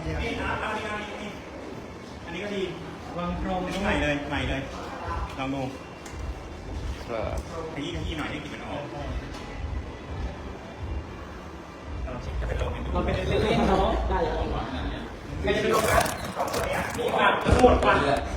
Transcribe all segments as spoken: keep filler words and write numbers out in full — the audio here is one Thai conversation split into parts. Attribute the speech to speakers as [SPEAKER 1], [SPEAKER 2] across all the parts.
[SPEAKER 1] นี่นะอันนี้อันนี้อันนี้ก็ดี
[SPEAKER 2] วางพรม
[SPEAKER 1] อันนี้ใหม่เลยใหม่เลยลองดู
[SPEAKER 3] ครับ
[SPEAKER 1] ขยี้ขยี้หน่อยให้กลิ่นมันออกเราเช็คจะไปลงให้ดู
[SPEAKER 2] เราเป็นเล่นๆเนาะได้แล้ว
[SPEAKER 1] ใครจะไปลงนะสองคนนี้อ่ะนี่มาทั้งหมดวัน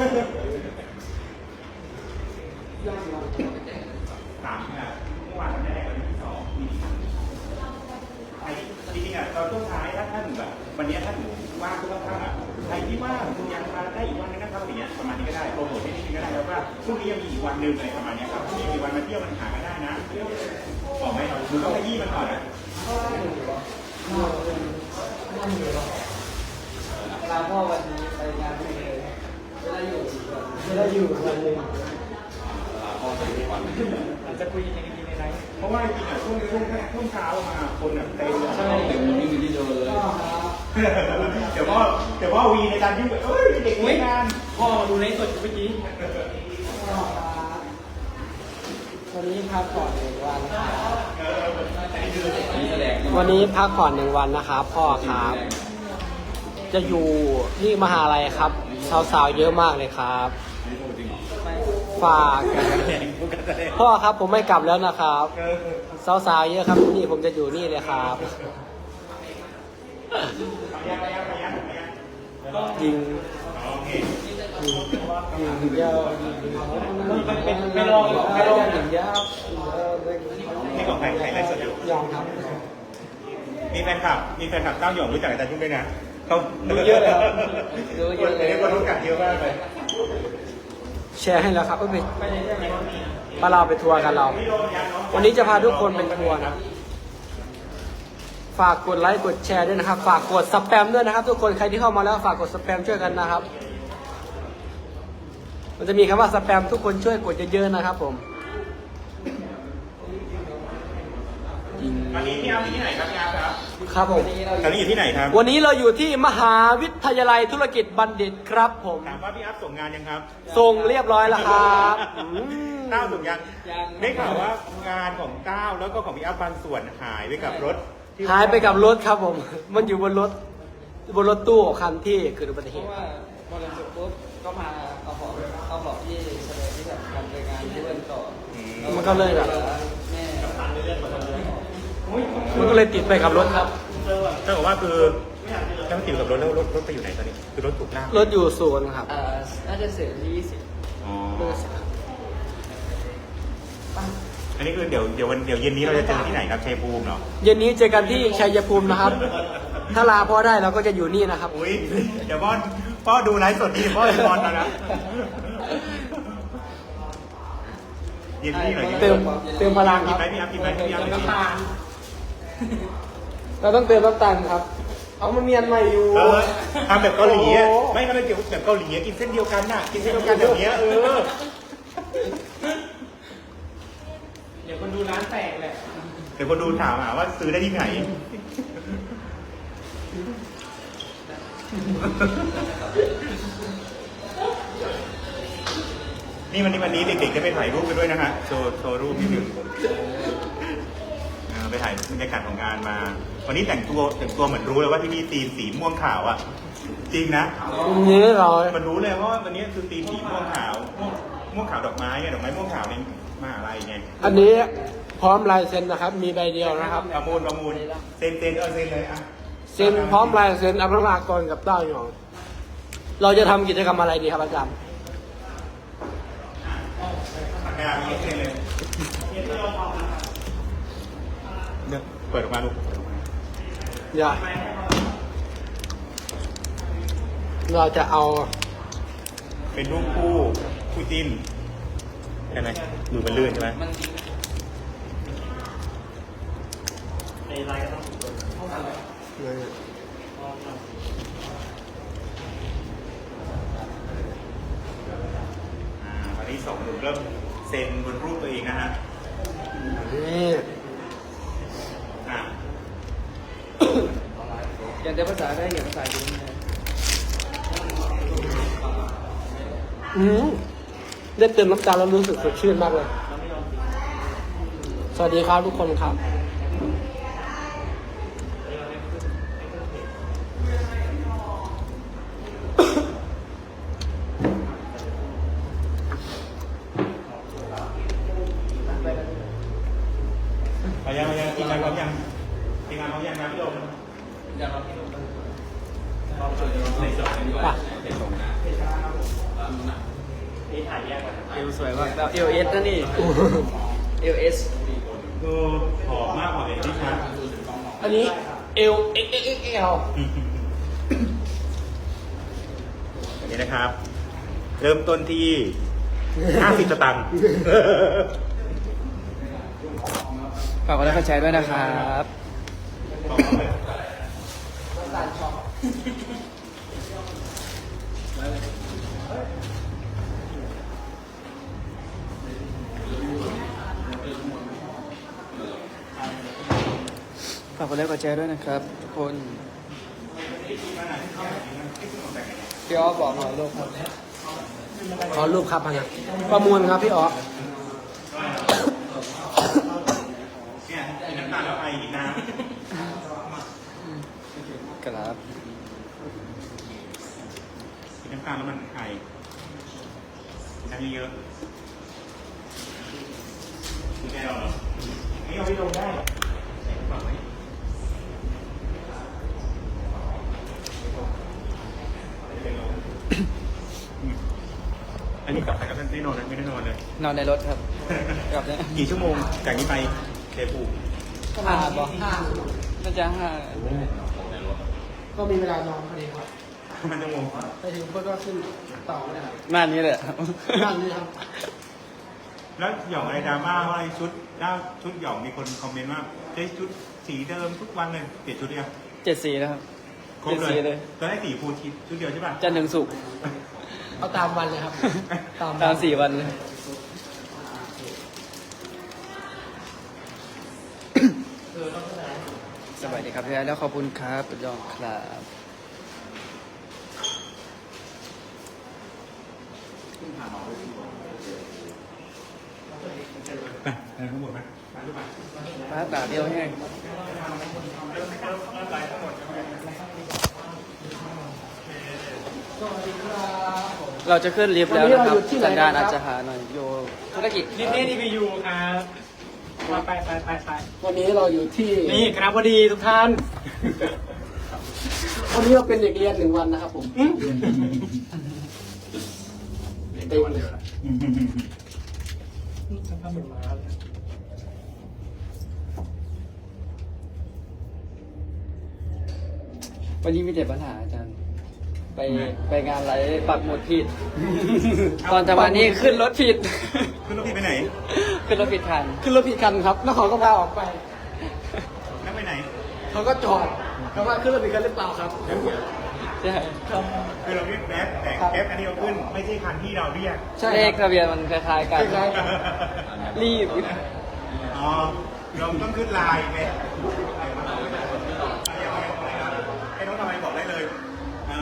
[SPEAKER 1] สามอ่ะเมื่อวานวันแรกวันที่สองมีใครจริงๆอ่ะตอนช่วงท้ายถ้าท่านแบบวันนี้ท่านหนูว่างทุกท่านอ่ะใครที่ว่างคุณยังมาได้อีกวันนึงนะครับอย่างเงี้ยประมาณนี้ก็ได้โปรโมทให้นิดนึงก็ได้แล้วว่าพรุ่งนี้ยังมีอีกวันหนึ่งอะไรประมาณนี้ครับพรุ่งนี้มีวันมาเที่ยวมันหากันได้นะบอกไหมหนูต้องขยี้มันก่อนนะ
[SPEAKER 2] ลาพ่อวันนี้ไปงานไม่เลยไม่ได้อยู่ไม่ได้อยู่วันหนึ่ง
[SPEAKER 3] พ่อจะมีวัน
[SPEAKER 2] อาจจะคุยในในไลฟ์
[SPEAKER 1] เพราะว่าจริงๆอ่ะช่วงช่วงช่วงเช้ามาคนอ่ะเต็มเลย
[SPEAKER 2] ใช่
[SPEAKER 3] เต็มที่อยู่ที่เดิมเลย
[SPEAKER 1] เดี๋ยวพ่อเดี๋ยวพ่อวีในการยุ่งเอ้ยเด็กไม่งาน
[SPEAKER 2] พ่อมาดูในสดเมื่อกี้วันนี้พักผ่อนหนึ่งวัน
[SPEAKER 3] นี่แสดง
[SPEAKER 2] วันนี้พักผ่อนหนึ่งวันนะครับพ่อครับ จะอยู่ที่มหาลัยครับสาวๆเยอะมากเลยครับฝากพ่อครับผมไม่กลับแล้วนะครับสาวๆเยอะครับนี่ผมจะอยู่นี่เลยครับยิงยิงยาวไม่ลองไม่ลองยิงยาว
[SPEAKER 1] นี่ของใครใครไลฟ์สดอยู่
[SPEAKER 2] ยองครับ
[SPEAKER 1] มีแฟนคลับมีแฟนคลับเต้าหยองรู้จักอาจารย์ยุ่งด้วยนะเขา
[SPEAKER 2] รู้เยอะเลยครับรู้เยอะเลย
[SPEAKER 1] เดี๋ยวคนรู้จักเยอะมากเลย
[SPEAKER 2] แชร์ให้แล้วครับก็ไปพาเราไปทัวร์กันเรา วันนี้จะพาทุกคนไปทัวร์นะฝากกดไลค์กดแชร์ด้วยนะครับ ฝากกดสแปมด้วยนะครับ ทุกคนใครที่เข้ามาแล้วฝากกดสแปมช่วยกันนะครับ มันจะมีคำว่าสแปมทุกคนช่วยกดเยอะๆนะครับผม
[SPEAKER 1] วันนี้พี่อาร์มอยู่ที่ไหนครับพี่อาร์มครับ
[SPEAKER 2] ครับผม
[SPEAKER 1] ตอนนี้อยู่ที่ไหนครับ
[SPEAKER 2] วันนี้เราอยู่ที่มหาวิทยาลัยธุรกิจบัณฑิตครับผม
[SPEAKER 1] ถามว่าพี่อาร์มส่งงานยังครับ
[SPEAKER 2] ส่งเรียบร้อยแล้วครับอืม
[SPEAKER 1] ก้าวส่งยังได้ข่าวว่างานของก้าวแล้วก็ของพี่อาร์มบางส่วนหายไปกับรถที่
[SPEAKER 2] หายไปกับรถครับผม มันอยู่บนรถบนรถตู้คันที่เกิดอุบัติเห
[SPEAKER 4] เพ
[SPEAKER 2] ตุ
[SPEAKER 4] ราะว่าพอเราจบปุ๊บก็มาเอาของเอาของที่แสดงที่แบบการไปงานที่เล่นต่อ
[SPEAKER 1] อืม
[SPEAKER 2] มันก็เลยแบบ
[SPEAKER 4] แม่
[SPEAKER 2] มันก็เลยติดไปกับรถครับ
[SPEAKER 1] ถ้าบอกว่าคือถ้ามันติดกับรถแล้วรถรถไปอยู่ไหนตอนนี้คือรถถูกลาก
[SPEAKER 2] รถอยู่ศูนย์ครับ
[SPEAKER 4] เอ่อน่าจะเสร็จที่ยี่สิบ
[SPEAKER 1] อ๋ออันนี้คือเดี๋ยวเดี๋ยววันเดี๋ยวเย็นนี้เราจะเจอที่ไหนครับชัยภูมิเหรอ
[SPEAKER 2] เย็นนี้เจอกันที่ชัยภูมินะครับ ถ้าลาพ่อได้เราก็จะอยู่นี่นะครับ
[SPEAKER 1] อุ้ยเดี๋ยวพ่อพ่อดูไลฟ์สดนี่พ่อจะนอนแล้วนะเย็นนี่หน่อย
[SPEAKER 2] เติมเติมพลัง
[SPEAKER 1] กิ
[SPEAKER 2] คน รับ
[SPEAKER 1] ไหมพี่อาร์มกินไหมพี่อาร์มกิน
[SPEAKER 2] เราต้องเติมน้ำตาลครับ เอามันเมียนใหม่อยู่
[SPEAKER 1] เออทำแบบเกาหลีอะ
[SPEAKER 2] โอ้โห
[SPEAKER 1] ไม่ทำแบบเกี่ยวแบบเกาหลีอะกินเส้นเดียวกันน่ะกินเส้นเดียวกันแบบเนี้ยเออ
[SPEAKER 2] เดี๋ยวคนดูร้านแตกแหละ
[SPEAKER 1] เดี๋ยวคนดูถามหาว่าซื้อได้ที่ไหนนี่วันนี้วันนี้เด็กๆจะไปถ่ายรูปกันด้วยนะฮะโชว์โชว์รูปนิดหนึ่งเออไปถ่ายบรรยากาศของงานมา วันนี้แต่งตัวแต่งตัวเหมือนรู้เลยว่าที่นี่ธีมสีม่วงขาวอ่ะ จริงนะ
[SPEAKER 2] นี่เรา
[SPEAKER 1] มันรู้เลยว่าวันนี้คือธีมสีม่วงขาวม่วงม่วงขาวดอกไม้ไงดอกไม้ม่วงขาวในมหาลัยไง
[SPEAKER 2] อันนี้พร้อมลายเซ็นนะครับ มีใบเดียวนะครับ
[SPEAKER 1] ประมูลประมูลเซ็นเซ็นเออเซ็นเลยอ่ะ
[SPEAKER 2] เซ็นพร้อมลายเซ็นอัพรากรกับเต้าหยอง เราจะทำกิจกรรมอะไรดีครับอาจารย์
[SPEAKER 1] ปากกามีเซ็นเลยเนี่ยเปิดออกมาลูก
[SPEAKER 2] อย่าเราจะเอา
[SPEAKER 1] เป็นรูปคู่คู่จิ้นใช่ไหมมือมันลื่นใช่ไหม
[SPEAKER 4] มัน
[SPEAKER 1] อ่าวันนี้สองหนุ่มเริ่มเซ็นบนรูปตัวเองนะฮะ
[SPEAKER 2] นี่
[SPEAKER 1] อ่า
[SPEAKER 4] อย่างแต่ภาษาได้อย่างภาษาจีนเลย
[SPEAKER 2] อืมได้เติมน้ำตาลแล้วรู้สึกสดชื่นมากเลย สวัสดีครับทุกคนครับ
[SPEAKER 1] ในสองดีกว่า
[SPEAKER 2] ป่ะ
[SPEAKER 3] เป็นตรงนะแล้วนู่นน่ะ
[SPEAKER 1] นี่ถ่ายแยกกัน
[SPEAKER 4] เอวสวยมากแบบเอลเอสนะนี่เอลเอส
[SPEAKER 1] คือหอมมากกว่าเอ็นที่ชัด
[SPEAKER 2] อันนี้เอลเอ็กเอ็กเอ็กเอล
[SPEAKER 1] อันนี้นะครับ เริ่มต้นที่ห้าสิบสตางค์
[SPEAKER 4] ฝากกดไลค์กดแชร์ด้วยนะครับ ฝากกดไลค์กดแชร์ด้วยนะครับทุกคนพี่อ้อบอกหน่อยลูกครับ
[SPEAKER 2] ขอรูปครับพะนะประมวลครับพี่อ๋อ
[SPEAKER 1] เนี่ยมีน้ำตาลแล้วไออีกน้
[SPEAKER 4] ครับ
[SPEAKER 1] ำมีน้ำตาลแล้วมันไอน้ำเยอะๆคุณแกเอาเหรอไม่เอาไปลงได้ฝั่งไหนอันนี้กลับไปกับท่านได้นอนไม่ได้นอนเลย
[SPEAKER 4] นอนในรถครับกลับเนี่ย
[SPEAKER 1] กี่ชั่วโมงจากนี้ไปเทปู
[SPEAKER 4] ห้าบอกน่าจะห้า
[SPEAKER 2] ก็มีเวลานอนพอดีครับ
[SPEAKER 1] มันจะงง
[SPEAKER 2] ไปถึงเพื่อนก็ขึ้นต่อเลยครับ
[SPEAKER 4] หน้านี้เลยครับ
[SPEAKER 2] นั่นนี่ครับ
[SPEAKER 1] แล้วหย่องอะไรดราม่าว่าไอ้ชุดด้าชุดหย่องมีคนคอมเมนต์ว่าใช้ชุดสีเดิมทุกวันเลยเปลี่ยนชุดยัง
[SPEAKER 4] เจ็ดสีนะครับ
[SPEAKER 1] ครบ
[SPEAKER 4] เจ็ด
[SPEAKER 1] เล
[SPEAKER 4] สี
[SPEAKER 1] ย
[SPEAKER 4] เลย
[SPEAKER 1] ตอนแรกสีฟูทิชุดเดียวใช่ป่ะ
[SPEAKER 4] จันทร์ถึงศุกร์
[SPEAKER 2] เอาตามวันเลยครับ ตาม
[SPEAKER 4] ตามสี่วันเลย สวัสดีครับพี่ไอ้แล้วขอบคุณครับประยองครับ
[SPEAKER 1] ไปไปทั้งหมดไหมไปหรือเปล่า
[SPEAKER 4] ฟ้าตาเดียวแห้ง เราจะขึ้นลิฟต์แล้วนะครับสัญญาณอาจจะหาหน่อยโยธุรกิจ
[SPEAKER 5] นี่นี่นี่วียูครับไปไปไปไป
[SPEAKER 2] วันนี้เราอยู่ที่
[SPEAKER 5] นี่คณะบดีทุกท่าน
[SPEAKER 2] วันนี้เราเป็นเด็กเรียนหนึ่งวันนะครับผมเต็มเลย
[SPEAKER 4] วันนี้มีแต่ปัญหาอาจารย์ ไปไปงานไรปักหมุดผิด ตอนจะมานี่ขึ้นรถผิด
[SPEAKER 1] ขึ้นรถพี่ไปไหน
[SPEAKER 4] ขึ้นรถผิดคัน
[SPEAKER 2] ขึ้นรถผิดคันครับแล้วเขาก็พาออกไป
[SPEAKER 1] นั่งไปไหน
[SPEAKER 2] เขาก็จอดเขาว่าขึ้นรถผิดคันหรือเปล่าครับ
[SPEAKER 4] ใช่
[SPEAKER 2] ครับ
[SPEAKER 1] คือเราเรียกแก๊ปแต่แก๊ปอันนี้เราขึ้นไม่ใช่คันที่เราเรียก
[SPEAKER 2] ใช่
[SPEAKER 4] เลข
[SPEAKER 2] ครับ
[SPEAKER 4] ทะเบียนมันคล้ายๆกัน
[SPEAKER 2] คล้ายๆกัน
[SPEAKER 4] รีบ
[SPEAKER 1] อ๋อเราต้องขึ้นไลน์ไงให้น้องทำไมบอกได้เลยอ่า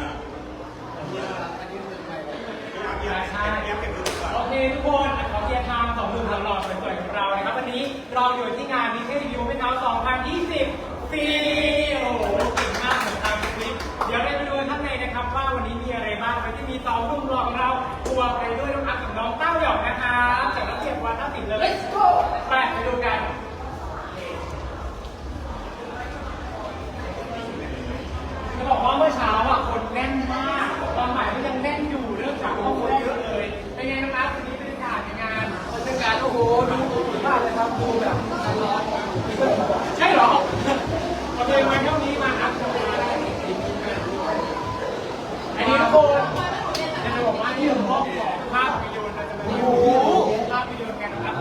[SPEAKER 1] เยี่ยมเยี่ยมเก็บดูก่อน
[SPEAKER 5] โอเคทุกคนขอเกียร์ทางสองหนุ่มหล่อๆสวยๆของเรานะครับวันนี้เราอยู่ที่งานมิเทสยูไม่เท้าสองพันยี่สิบปีโอ้โหเก่งมากเหมือนตามคลิปเดี๋ยวเราไปดูข้างในนะครับว่าวันนี้มีอะไรบ้างวันที่มีสองหนุ่มหล่อของเราตัวไปด้วยน้องอัพกับน้องเต้าหยอกนะครับจากระเบียบวัฒนศิลป์เลย Let's go ไปไปดูกัน จะบอกว่าเมื่อเช้าอ่ะคนแน่นมากตอนบ่ายก็ยังแน่นอยู่เรื่องจากว่าคนเยอะเลยเป็นไงนะครับวันนี้บรรยากาศในงาน
[SPEAKER 2] บรรยากาศโอ้โหดูดีมากเลยครับดูแบบร้อน
[SPEAKER 5] ใช่เหรอเราเลยมาเท่านี้มาครับอันนี้ทุกคนจะบอกว่านี่คือห้องของภาพยนตร์เราจะมาดูภาพยนตร์กันนะครับ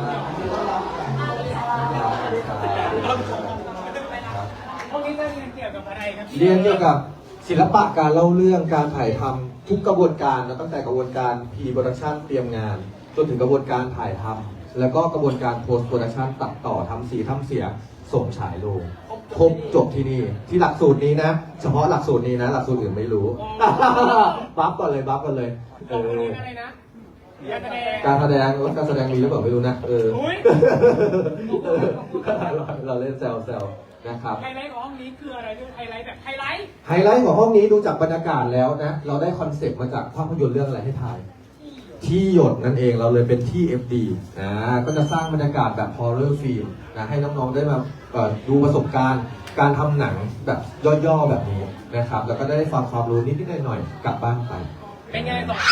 [SPEAKER 5] ห้องนี้จะเรียนเกี่ยวกับอะไรครับพี่
[SPEAKER 6] เรียนเกี่ยวกับศิลปะการเล่าเรื่องการถ่ายทำทุกกระบวนการนะตั้งแต่กระบวนการ pre-production เตรียมงาน จนถึงกระบวนการถ่ายทำแล้วก็กระบวนการ post production ตัดต่อทำสีทำเสียงส่งฉายโรงครบจบที่นี่ที่หลักสูตรนี้นะ เฉพาะหลักสูตรนี้นะ หลักสูตรอื่นไม่รู้ บัฟก่อนเลยบัฟก่อนเลยเอ
[SPEAKER 5] ตรงนี้
[SPEAKER 6] อ
[SPEAKER 5] อะไรนะการแสดง
[SPEAKER 6] การแสดงว่าการแสดงมีหรือเปล่าไม่รู้นะเออ
[SPEAKER 5] อุ๊ย
[SPEAKER 6] เออเราเล่นแซวแซวๆนะครับ
[SPEAKER 5] ไฮไลท์ของห้องนี้คืออะไรด้วยไฮไลท์แบบไฮไลท์
[SPEAKER 6] ไฮไลท์ของห้องนี้ดูจากบรรยากาศแล้วนะ เราได้คอนเซปต์มาจากภาพยนตร์เรื่องอะไรให้ถ่าย ที่หยดนั่นเองเราเลยเป็นที่ เอฟ ดี อ่าก็จะสร้างบรรยากาศแบบ horror film นะให้น้องๆได้มาเอ่อดูประสบการณ์การทำหนังแบบย่อๆแบบนี้นะครับ แล้วก็ได้ฟังความรู้นิดๆหน่อยๆกลับบ้านไป
[SPEAKER 5] เป็นไงสองคน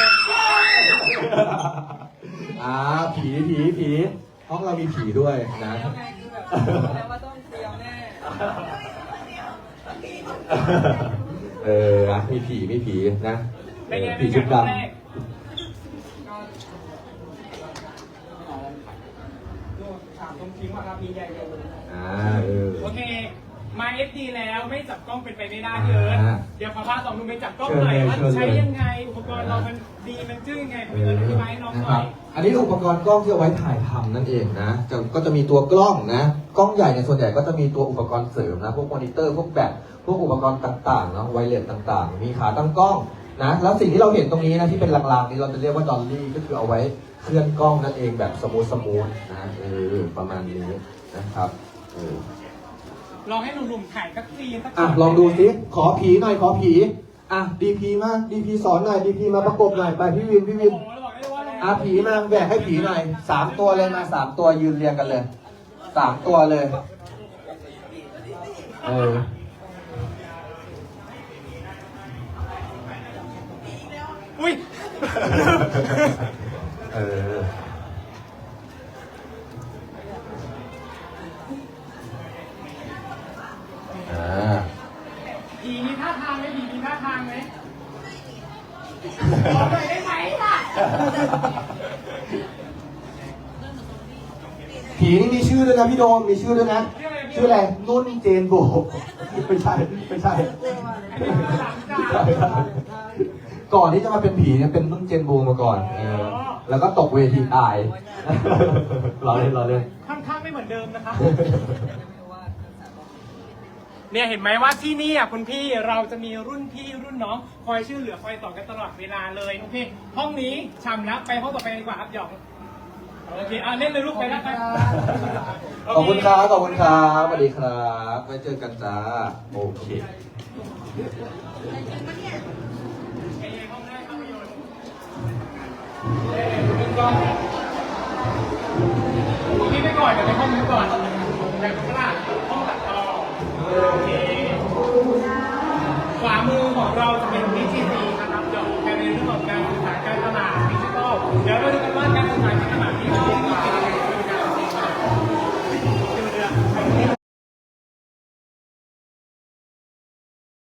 [SPEAKER 6] อ่าผีผีผีห้องเรามีผีด้วยนะ
[SPEAKER 4] แล้วไงคือแบบรู้แล้วว่าต้องเตรียมแน่
[SPEAKER 6] เออนะมีผีมีผีนะ
[SPEAKER 5] เป็นไง
[SPEAKER 6] ผี
[SPEAKER 5] เป็นไง
[SPEAKER 6] ชุด
[SPEAKER 5] ค
[SPEAKER 6] ด
[SPEAKER 5] รั้งแรก
[SPEAKER 4] ดูถามตรงทิ้งว่าครับมีใหญ่เลย
[SPEAKER 6] ำอ่าเออ
[SPEAKER 5] โอเค มาเอฟดีแล้วไม่จับกล้องเป็นไปไม่ได้พี่เอิร์ธ
[SPEAKER 6] อ่า
[SPEAKER 5] เดี๋ยวขอพาสองหนุ่มไปจับกล้องหน่อยว่า
[SPEAKER 6] เชิญเลย
[SPEAKER 5] ใช้ยังไง อุปกรณ์เรามันดีมันจึ้งยังไง
[SPEAKER 6] เอ
[SPEAKER 5] พี่เอิ
[SPEAKER 6] อ
[SPEAKER 5] ร์ธอธิบายให้น้อง
[SPEAKER 6] นะ
[SPEAKER 5] ห
[SPEAKER 6] ค
[SPEAKER 5] น่
[SPEAKER 6] รั
[SPEAKER 5] อบ ย
[SPEAKER 6] อันนี้อุปกรณ์กล้องที่เอาไว้ถ่ายทำนั่นเองนะจะก็จะมีตัวกล้องนะกล้องใหญ่ในยส่วนใหญ่ก็จะมีตัวอุปกรณ์เสริมนะพวกมอนิเตอร์พวกแบตพวกอุปกรณ์ต่างๆเนาะไวเลสต่างๆ มีขาตั้งกล้องนะแล้วสิ่งที่เราเห็นตรงนี้นะที่เป็นลางๆนี้เราจะเรียกว่าดอลลี่ก็คือเอาไว้เคลื่อนกล้องนั่นเองแบบสมูทสมูทนะเออประมาณนี้นะครับเออ
[SPEAKER 5] ลองให้หนุ่มๆถ่ายสักซีนสัก
[SPEAKER 6] อ่ะลองดูสิขอผีหน่อยขอผีอ่ะดีพีมาดีพีสอนหน่อยดีพีมาประกบหน่อยไปพี่วินพี่วิ
[SPEAKER 5] โอ้
[SPEAKER 6] น
[SPEAKER 5] โหเราบอกได้ว่าเรา
[SPEAKER 6] อ่ะผีมาแบกให้ผีหน่อยสามตัวเลยมาสามตัวยืนเรียงกันเลยสามตัวเลยเออ
[SPEAKER 5] อุ้ย
[SPEAKER 6] เอออ่า
[SPEAKER 5] ผีมีท่าทางไหมผีมีท่าทางไหมขอหน่อยได้ไหมล่ะ
[SPEAKER 6] ผีนี่มีชื่อด้วยนะพี่โดมมีชื่อด้วยนะ ชื่ออะไรนุ่นเจนโบไม่ใช่ไม่ใช่ ก่อนที่จะมาเป็นผีเนี่ยเป็นนุ่นเจนโบมาก่อนเออแล้วก็ตกเวทีตายเราเล่นเราเล่น
[SPEAKER 5] ค่อนข้างไม่เหมือนเดิมนะครับ เนี่ยเห็นไหมว่าที่นี่อ่ะคุณพี่เราจะมีรุ่นพี่รุ่นน้องคอยช่วยเหลือคอยสอนกันตลอดเวลาเลยโอเคห้องนี้ช่ำแล้วไปห้องต่อไปดีกว่าครับหยองโอเคอ่ะเล่นเลยลูกไปแล้วไป
[SPEAKER 6] ขอบคุณครับขอบคุณครับสวัสดีครับไว้เจอกันจ้าโอเค
[SPEAKER 5] ไอ้ห้องแรกภาพยนตร์เอ้ยเป็นกล้อง